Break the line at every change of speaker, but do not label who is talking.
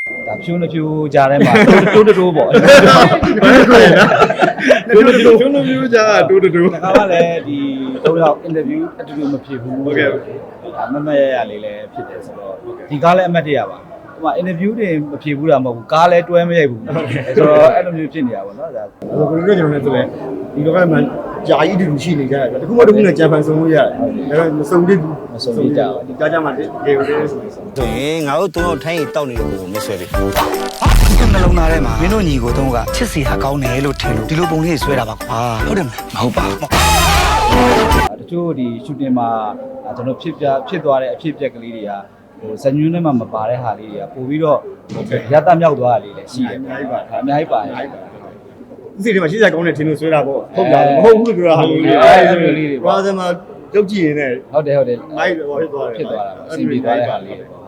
ဒါဖြိုးနှဖြိုးကြားထဲမှာတိုးတိုးပေါ့တိုး
မျိုးကြာတိုးတိုး
ဒါကလည်းဒီတော့ interview အတူတူမဖြစ်ဘူးဟုတ်ကဲ့ဒါမမရရလေးလည်းဖြစ်တယ်ဆိုတော့ဒီကားလည်းအမှတ်တရပါဒီမှာ interview တွေမဖြစ်ဘူးတာမဟုတ်ဘူးကားလည်းတွဲမရိုက်ဘူးဆိုတော့အဲ့လိုမျိုးဖြစ်နေတာပေါ့နော်ဒါ
ဆိုတော့ကျွန်တော်လည်းဆိုလဲဒီလောကမှာဂျာကြီးတူရှိနေကြတယ်တခုမှတခုနဲ့ဂျပန်ဆုံးလို့ရတယ်ဒါတော့မစုံသေးဘူး
မဆုံးသေးကြဘူး
ဒီကားကြမှာဒီကေရိုလေးဆိုရင်
ဆိုရင်ငါတို့သုံးတော့ထိုင်းရီတောက်နေတဲ့ကိုမဆွဲပြီဒီနှလုံးသားထဲမှာမင်းတို့ညီကိုသုံးကချစ်စီဟာကောင်းတယ်လို့ထင်လို့ဒီလိုပုံလေးဆွဲတာပါကွာဟုတ်တယ်မဟုတ်ပါဘူး
တချို့ဒီ shooting မှာကျွန်တော်ဖြစ်သွားတဲ့အဖြစ်အပျက်ကလေးတွေကဟိုဇညွန်းထဲမှာမပါတဲ့ဟာလေးတွေကပို့ပြီးတော့ရတမြောက်သွားတာလေးလည်းရှိတယ်အများကြီးပါတယ်
ဒီစီထဲမှာရှေ့ဆက်ကောင်းတဲ့ထင်လို့ဆွဲတာပေါ့ဟုတ်လားမဟုတ်ဘူးလို့ပြောတာဟာလို့ရာဇမှာတုတ်ကြည့်နေတယ်
ဟုတ်တယ်
မိုက်ဟောဖြစ်သွားတယ်
ဖြစ်သွားတာပေါ့အစီအပြေသွားတဲ့ဟာလေးပေါ့